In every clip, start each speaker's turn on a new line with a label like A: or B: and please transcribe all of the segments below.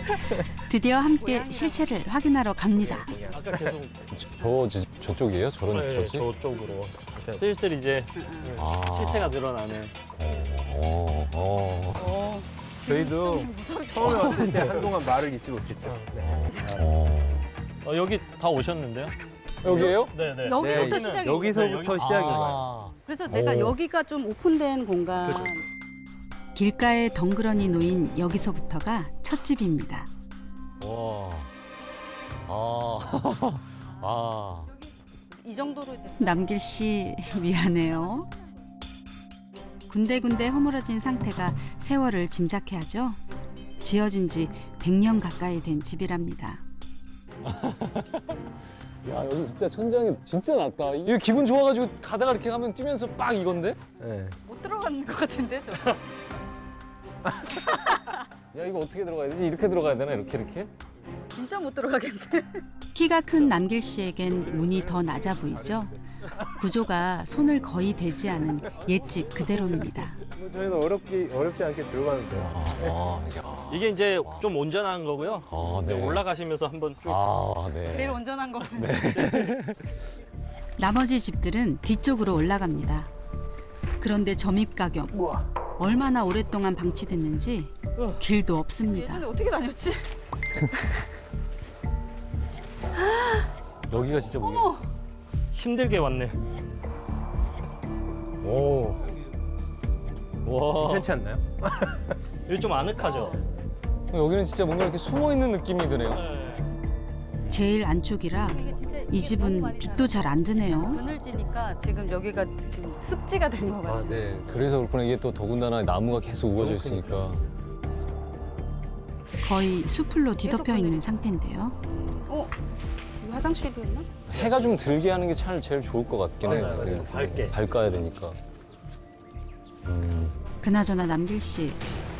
A: 드디어 함께 실체를 확인하러 갑니다.
B: 아까 계속
C: 저쪽이에요? 저런
B: 네,
C: 저지?
B: 저쪽으로 이렇게 슬슬 이제
C: 아.
B: 실체가 늘어나는.
D: 저희도 처음에 왔을 때 한동안 말을 잊지 못했죠. 네.
B: 여기 다 오셨는데요?
C: 여기에요?
B: 네네.
E: 여기부터
D: 네,
E: 시작이
D: 여기서부터 시작인 거예요.
E: 그래서 내가
C: 오.
E: 여기가 좀 오픈된 공간.
B: 그죠.
A: 길가에 덩그러니 놓인 여기서부터가 첫 집입니다.
C: 와. 아.
E: 이 정도로 됐-
A: 남길 씨 미안해요. 군데군데 허물어진 상태가 세월을 짐작해 하죠. 지어진 지 100년 가까이 된 집이랍니다.
C: 야, 여기 진짜 천장이 진짜 낮다. 이거 기분 좋아가지고 가다가 이렇게 가면 뛰면서 빡 이건데?
D: 네.
E: 못 들어가는 것 같은데 저.
C: 야, 이거 어떻게 들어가야 되지? 이렇게 들어가야 되나? 이렇게?
E: 진짜 못 들어가겠네.
A: 키가 큰 남길 씨에겐 문이 더 낮아 보이죠. 구조가 손을 거의 대지 않은 옛집 그대로입니다.
D: 뭐 저희는 어렵지 않게 들어가는데.
C: 야.
B: 이게 이제 좀 온전한 거고요.
C: 아, 네.
B: 올라가시면서 한번 쭉.
C: 네.
E: 제일 온전한 거.
A: 나머지 집들은 뒤쪽으로 올라갑니다. 그런데 점입 가격 얼마나 오랫동안 방치됐는지 길도 없습니다.
E: 예전에 어떻게 다녔지?
C: 여기가 진짜 뭐야?
E: 어머.
B: 힘들게 왔네.
C: 오. 와.
D: 괜찮지 않나요?
B: 여기 좀 아늑하죠?
C: 여기는 진짜 뭔가 이렇게 숨어 있는 느낌이 드네요.
B: 네.
A: 제일 안쪽이라
E: 이게 진짜
A: 이 집은 빛도 잘 안 드네요.
E: 그늘지니까 지금 여기가 지금 습지가 된 것 같아.
C: 네. 그래서 그렇구나. 이게 또 더군다나 나무가 계속 우거져 있으니까.
A: 거의 수풀로 뒤덮여 있는 상태인데요.
E: 어? 여기 화장실도 있나?
C: 해가 좀 들게 하는 게 참 제일 좋을 것 같긴 해요.
B: 맞아요.
C: 네.
B: 밝게.
C: 밝아야 되니까.
A: 그나저나 남길 씨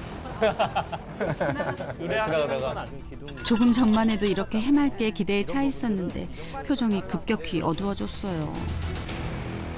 B: 의뢰하시는 아주 기둥.
A: 조금 전만 해도 이렇게 해맑게 기대에 차 있었는데 표정이 급격히 어두워졌어요.